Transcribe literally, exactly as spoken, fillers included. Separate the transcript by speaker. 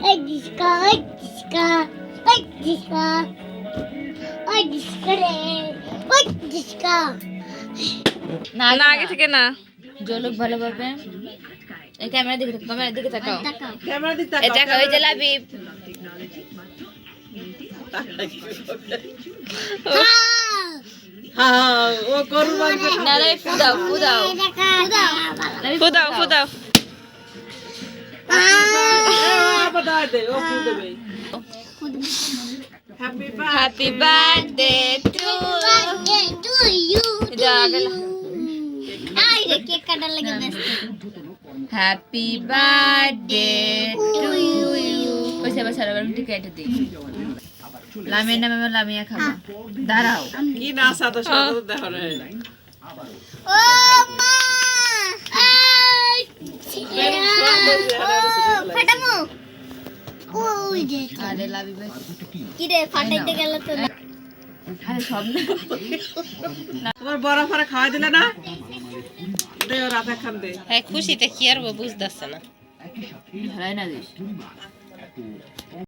Speaker 1: Ay, disca, ay, disca, ay, disca, ay, disca রে, ay, disca.
Speaker 2: না
Speaker 3: না আগে থেকে না
Speaker 2: জলক ভালোভাবে এই ক্যামেরা দিকে তাকাও ক্যামেরা দিকে তাকাও
Speaker 1: তাকাও।
Speaker 4: ক্যামেরা দিতে
Speaker 2: এই টাকা ওই যে লাবি
Speaker 4: হ্যাঁ ও করু মাংস
Speaker 2: না রে ফুদাও ফুদাও
Speaker 1: দেখা, দাও।
Speaker 2: লাবি
Speaker 3: ফুদাও ফুদাও
Speaker 4: আবার দাও দে ও ফুল দেবে happy birthday
Speaker 2: happy birthday to
Speaker 1: Birthday to you, to
Speaker 2: এটা আগে
Speaker 1: you. আই রে, কেক কাটার লাগে ব্যস্ত।
Speaker 2: হ্যাপি বার্থডে টু ইউ পয়সা পয়সা লাগাম ঠিক এটা দিই লামিয়া নামে লামিয়া খাবা দাঁড়াও
Speaker 4: কি নাচা তো সাথে তো দেখো রে
Speaker 1: ও মা! আই! ও, ফাটামো। ওই যে,
Speaker 2: আরে লাবি ভাই
Speaker 1: কি রে, ফাটাইতে গেল তো না।
Speaker 2: আরে সব না
Speaker 4: তোমার বড় ফারা খাওয়াই দিলে না দে ও রাতে খান দে
Speaker 3: হ্যাঁ খুশিতে কি আর বুঝতেছে না
Speaker 2: হারাই না দিস